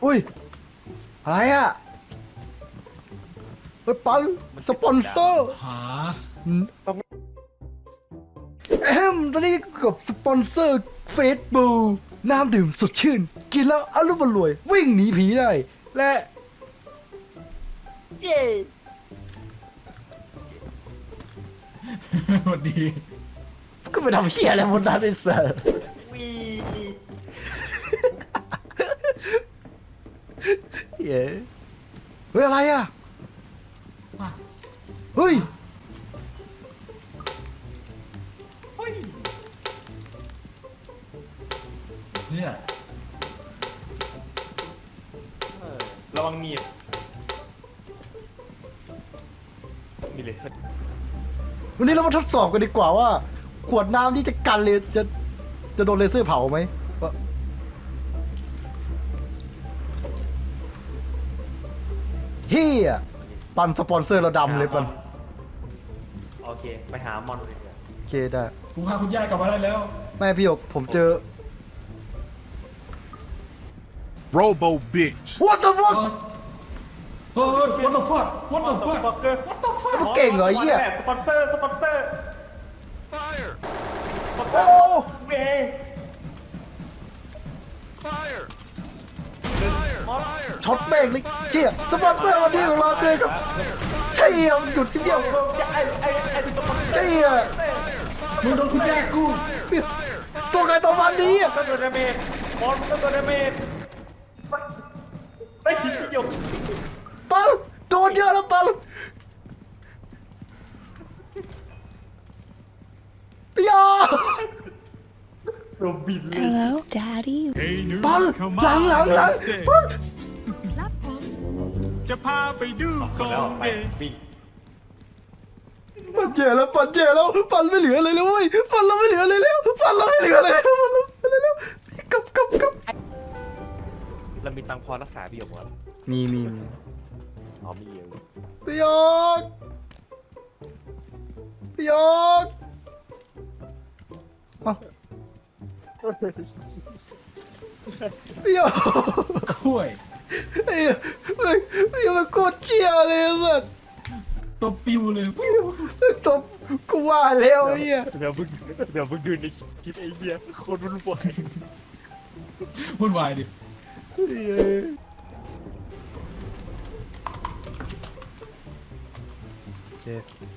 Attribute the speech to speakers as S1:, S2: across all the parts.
S1: อุ้ยอะไรอ่ะเฮ้ยปันสปอนเซอร์
S2: หา
S1: ตอนนี้กับสปอนเซอร์เฟสบูน้ำดื่มสดชื่น กินแล้วอารมณ์รวย วิ่งหนีผีได้ และ
S3: เย้
S2: สวัสดี
S1: ก็ไปทำเหี้ยอะไรบนนั้นไอ้เสิร์
S3: วี
S1: เย้เฮ้ยอะไรอ่ะ
S2: มา
S1: เฮ้ย
S3: เฮ้ย
S2: เนี่ย
S3: ระวังหนีบมีเลเซอร์
S1: วันนี้เรามาทดสอบกันดีกว่าว่า ขวดน้ำนี่จะกันเลยจะโดนเลเซอร์เผาไหมว่าเฮียปันสปอนเซอร์เราดำเลยปัน
S3: โอเคไปหามอนเลยเถอะ
S1: โอเคได้
S2: ผมพาคุณย่ากลับมาได้แล้ว
S1: แม่พี่หยกผมเจอ
S4: Robo bitch.
S1: What the fuck
S2: เฮ้ย what the fuck what the fuck
S3: บอกเกอร์
S2: what the fuck
S1: มันเก่งเหรอไอ้เหี้ย
S3: สปอนเซอร์สปอนเซอร์
S4: Fire.
S1: โอ้
S3: เว้ย
S4: Fire.
S3: มอน
S1: ช็อตแม่งเลยเจี๊ยสปอนเซอร์วันนี้ของเราเจอกับเจี๊ยหยุดเจี๊ย
S3: ไอ้สปอนเซอร์
S1: เจี๊ย
S2: มึงโดนคุณย่ากู
S1: ตัวใครตัวมันนี้
S3: ก็โดนดาเมจมอนก็โดนดาเมจไม่ทิ้งประโยชน์
S1: ปัลโดนเยอะแล้วปัลพี่ยอ
S3: โดนบินเลย
S5: Hello, Daddy.
S1: ปัลหลังปัล
S6: จะพาไปดูก
S3: แล้
S6: อ
S3: ว
S6: ง
S3: ไป
S6: เด
S3: วิ่ง
S1: ปัลเจแล้วปัลเจแล้วปัลไม่เหลือเลยแล้วเว้ยปัลเราไม่เหลือเลยแล้วปัลเราไม่เหลือเลยแล้วปัลเราไม่เหลือแล้วกลับ
S3: เรามีตังค์พอรักษาพี่หยกมั้ย
S1: มี
S3: อ๋อมีเยอะ
S1: พี่ยกพี่ยกเอ้าพี่ยก
S2: ข่วย
S1: ไอ้พี่มันโคตรเชี่ยเลยสัส
S2: ตัวปิวเลยปิว
S1: ตบกูว่าแล้วไอ้เหี้ย
S3: เดี๋ยวมึงดูในคลิปไอ้เหี้ยโคตรวุ่นวาย
S2: วุ่นวายดิ
S1: โอเค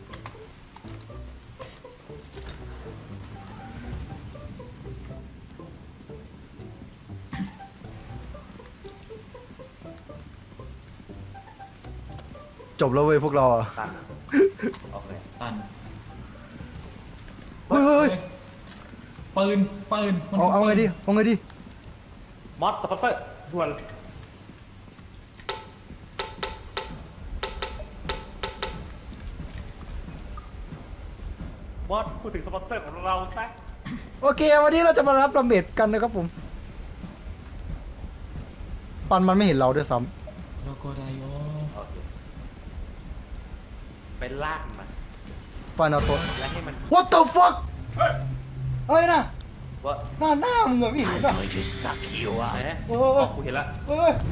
S1: จบแล้วเว้ยพวกเราอ่ะ
S3: ตันโอเค
S2: ตัน
S1: เฮ้ย
S2: ปืนมัน
S1: เอาไงดีเอาไงดี
S3: มอสสปอนเซอร์ด่วนมอสพูดถึงสปอนเซอร์ของเราซะ
S1: โอเควันนี้เราจะมารับดาเมจกันนะครับผมปันมันไม่เห็นเราด้วยซ้
S2: แล้วก็ได้โย
S3: โอเคไปลากมัน
S1: ำปันเอาตัว
S3: แล้วให้มัน
S1: What the fuck อะไรนะ
S3: ว่า
S1: หน้ามึงเหรอพี่เห็นป่ะ
S3: ไหน
S1: โอ้
S3: อ๋อกูเห็นละ
S1: เฮ้ย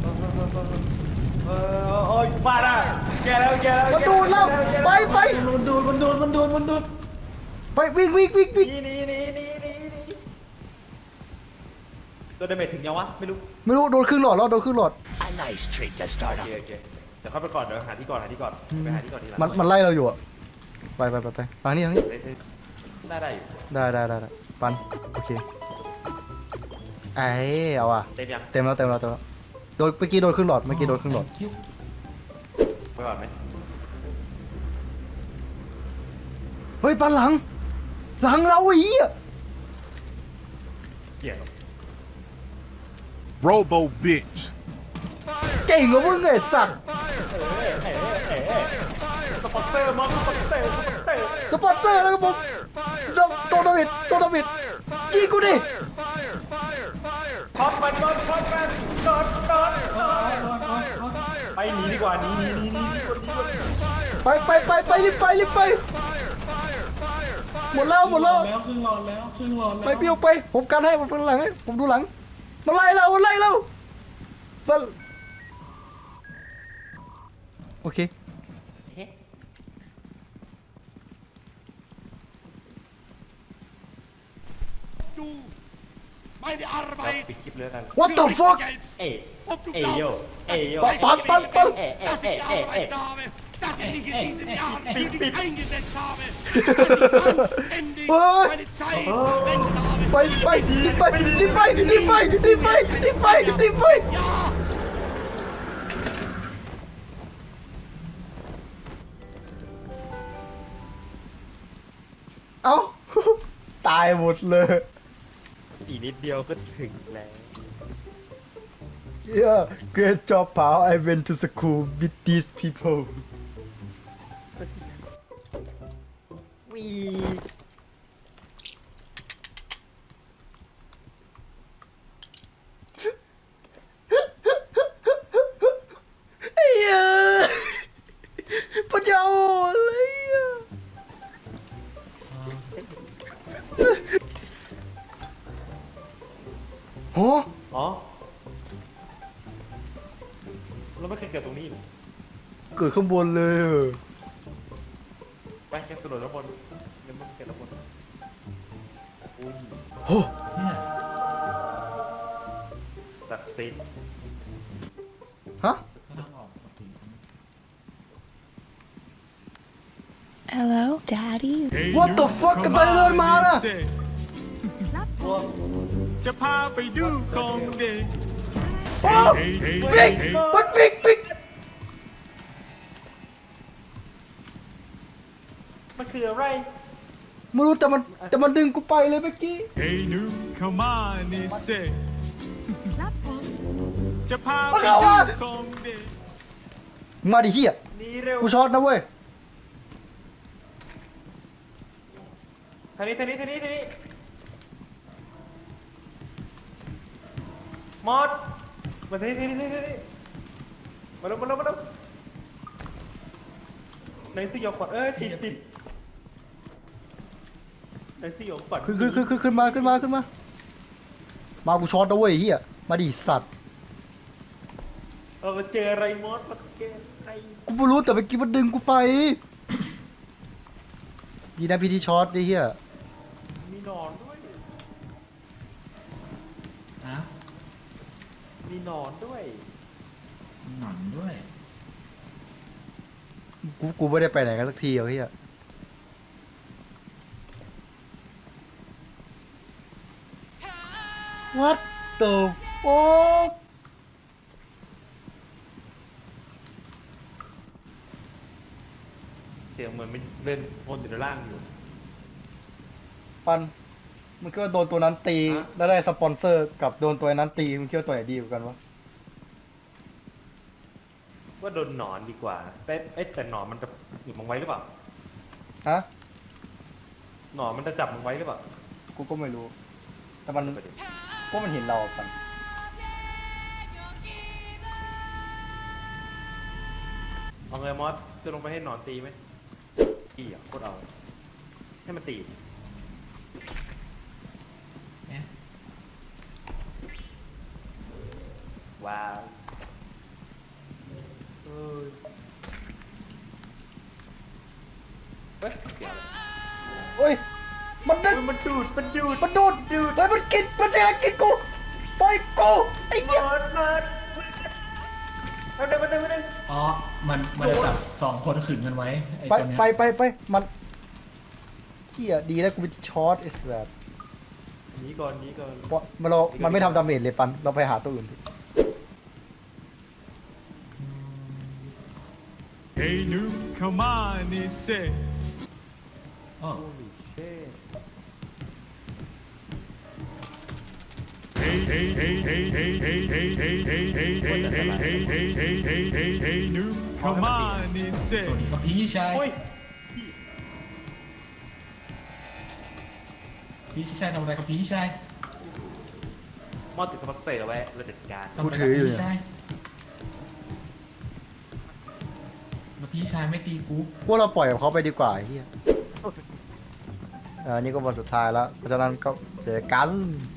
S3: โอ้ยบ้าละแกแล้ว
S1: มันดูดแล้วไป
S2: มันโดน
S1: ไปวิ่ง
S3: นี่โดนดาเมจถึงยังวะไม่รู้
S1: ไม่รู้โดนครึ่งหลอดแล้วโดนครึ่งหลอด
S3: โอเคเดี๋ยวเข้าไปก่อนเดี๋ยวหาที่ก่อนไปหาที่ก่อนทีหลัง
S1: มันไล่เราอยู่อะไปทางนี้
S3: ได้อยู่
S1: ได้ปันโอเคไอ้เอาอะ
S3: เต็มยัง
S1: เต็มแล้วโดนเมื่อกี้โดนครึ่งหลอด
S3: ไปก่อนไหม
S1: เฮ้ยปันหลังเราไอ้เหี้ย
S3: เกี่ยว
S4: Robo bitch.
S1: เก่งกว่ามึงไอ้สัตว์
S3: สปอนเซอร์มอสสปอนเซอร์
S1: สปอนเซอร์แล้วครับผมโดนดาเมจยิงกูดิ
S3: ช็อตมันไปหนีดีกว่าหนี
S1: ไปรีบไปหมดแล้ว
S2: แล้วครึ่งหลอดแล้ว
S1: ไปเปี้ยวไปผมกันให้ผมเป็นหลังให้ผมดูหลังมาไล่เรามันโอเค
S3: เฮ้
S4: Du, meine
S3: เรา
S4: Arbeit
S3: ปิดคลิปเลยกัน
S1: What the fuck
S4: jetzt.
S3: เอ้ย
S4: Ob du
S3: เอ้ยโย
S4: glaubst,
S3: เอ้ยโย
S1: ปัน
S4: dass ich gearbeitet habe, dass ich mich in diesen Jahren für dich eingesetzt habe, dass ich anständig meine Zeit verwendet habe.
S1: ไปรีบไป
S4: Ja!
S1: เอ้า ตายหมดเลย
S3: อีกนิดเดียวก็ถึงแล้ว
S1: Yeah great job pal I went to school with these people
S3: วี
S1: ไอ้เหี้ยพระเจ้าอะไรอ่ะโห
S3: อ๋อเราไม่เคยเกิดตรงนี้เลย
S1: เกิดข้างบนเลยเหรอ
S3: ไปแค่กระโดดแล้วบนเดี๋ยวมันเกิดแล้วบนอุ้ย
S1: โห
S2: เนี่ย
S3: ศักดิ์สิทธิ์
S1: ฮะ
S2: ทางออกมาถึง
S5: Hello, Daddy.
S1: What the fuck กระต่ายเดินมาน่ะ
S6: จะพาไปดูของเด็ก
S1: โอ้บิ๊กมันบิ๊ก
S3: มันคืออะไร
S1: ไม่รู้แต่มันดึงกูไปเลยเมื่อกี้
S6: เฮ้ยหนุ่มเข้ามานี่เซจะพาไป
S1: มันเข้า
S6: ดู
S1: มา
S6: ของเด็ก
S1: มาดิเฮีย
S3: นี่เร็ว
S1: กูช็อตนะเว้ย
S3: ทางนี้มอดมาทางนี้มาแล้วในสยองขวัญติดในสยองขวัญ
S1: ขึ้นมามากูช็อตนะเว้ยเฮียมาดิสัตว์
S3: เราเจออะไรมอดมาเจออะไร
S1: กูไม่รู้แต่เมื่อกี้มันดึงกูไป ดีนะพี่ที่ช็อตดิเฮีย
S3: มีหนอนด้วย
S2: อ่ะ
S3: มีหนอนด้วย
S2: หนังด้วย
S1: กูไม่ได้ไปไหนกันสักทีเฮีย What the fuck
S3: เสียงเหมือนมันเล่นวนอยู่ในล่างอยู่
S1: ปันมึงคิดว่าโดนตัวนั้นตี
S3: ฮะ
S1: แล้วได้สปอนเซอร์กับโดนตัวนั้นตีมึงคิดว่าตัวไหนดีกว่ากันวะ
S3: ว่าโดนหนอนดีกว่าแต่หนอนมันจะหยุดมึงไว้หรือเปล่า
S1: ฮะ
S3: หนอนมันจะจับมึงไว้หรือเปล่า
S1: กูก็ไม่รู้ แต่มัน
S3: ประเด็น
S1: พวกมันเห็นเราอะปัน
S3: เอาไงมอสจะลงไปให้หนอนตีไหมตีอ่ะโคตรเอาให้มันตี
S2: เนี่ย
S3: ว้าวเฮ้ยเดี๋ยว
S1: เฮ้ย มันดึง
S3: มันดูด
S1: มันดูดเฮ้ยมันกิน มันจะกินกูปล่อยกูไอ้เหี้ย
S3: มันเดิน
S2: อ๋อ มันจะจับสองคนขึงกันไว้ ไอ้
S1: ไป
S2: ตัวเนี้ย
S1: ไปมันเหี้ยดีแล้วกูเป็นช็อตไอ้สัส
S3: หนีก่อน
S1: เพราะมันไม่ทำดาเมจเลยปัน เราไปหาตัวอื่นดิ
S6: เฮ้ยหนุ่มเข้ามานี่เซ
S2: อ๋อ
S3: เช่
S6: เฮ้ยหนุ่มเข้ามานี่เซ
S2: สวัสดีครับพี่ชาย
S3: โอ้ย
S2: พี่ชายทำอะไรครับพี่ชาย
S3: มอสติดสปอนเซอร์เอาไว้เราจัดการ
S2: ทำอะไรครับพี่ชายแล้วพี่ชายไม่ตีกู
S1: พวกเราปล่อยเขาไปดีกว่าไอ้เฮียอันนี้ก็วันสุดท้ายแล้ว เพราะฉะนั้นก็เจอกัน